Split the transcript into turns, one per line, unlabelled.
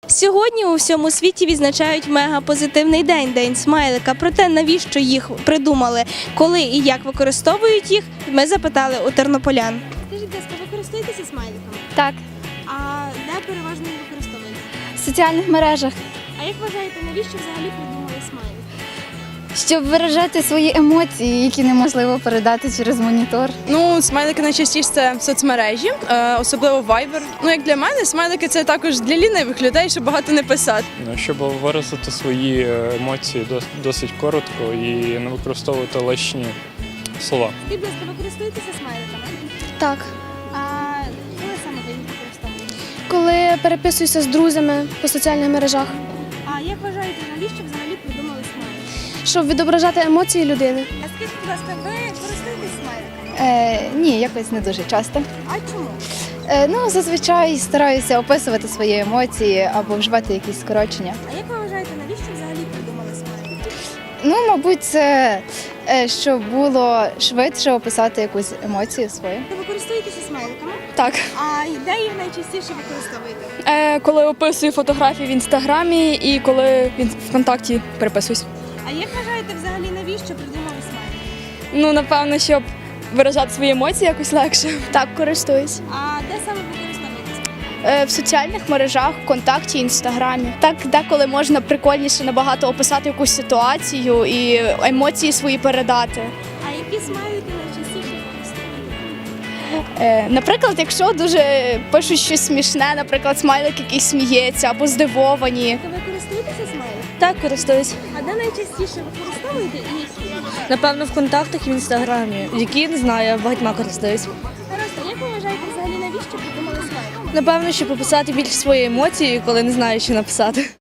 Сьогодні у всьому світі відзначають мегапозитивний день – День смайлика. Проте навіщо їх придумали, коли і як використовують їх, ми запитали у тернополян. Скажіть, будь ласка, ви користуєтеся смайликами?
Так,
А де переважно їх використовуєте?
в соціальних мережах,
А як вважаєте, навіщо взагалі придумали смайлик?
щоб виражати свої емоції, які неможливо передати через монітор.
Ну, смайлики найчастіше це соцмережі, особливо Viber. Ну, як для мене, смайлики це також для лінивих людей, щоб багато не писати.
Щоб виразити свої емоції досить коротко і не використовувати лишні слова.
Скажіть, будь ласка, ви користуєтеся смайликами?
Так,
А коли саме ви їх використовуєте?
коли переписуюся з друзями по соціальних мережах,
А як вважаєте, навіщо взагалі придумали смайлик?
щоб відображати емоції людини.
А скажіть, будь ласка, ви користуєтесь смайликами?
Ні, якось не дуже часто.
А чому?
Ну, зазвичай стараюся описувати свої емоції або вживати якісь скорочення.
А як ви вважаєте, навіщо взагалі придумали смайлик?
Ну, мабуть, це щоб було швидше описати якусь емоцію свою.
Ви користуєтеся смайликами?
Так,
А де їх найчастіше використовуєте?
коли описую фотографії в інстаграмі і коли в ВКонтакті переписуюсь.
А як вважаєте, взагалі навіщо придумали смайлик?
Ну, напевно, щоб виражати свої емоції якось легше. Так, користуюсь.
А де саме ви користуєтесь?
В соціальних мережах, ВКонтакті, Інстаграмі. Так, деколи можна прикольніше набагато описати якусь ситуацію і емоції свої передати.
А які смайлики найчастіше використовуєте?
Наприклад, якщо дуже пишуть щось смішне, наприклад, смайлик якийсь сміється або здивовані.
Ви користуєтеся смайликом?
Так, користуюсь.
А де найчастіше використовуєте і які?
Напевно, в контактах і в інстаграмі, які не знаю, багатьма користуюсь.
Гаразд, а як ви вважаєте, взагалі навіщо придумали смайлик?
Напевно, щоб описати більше свої емоції, коли не знаю, що написати.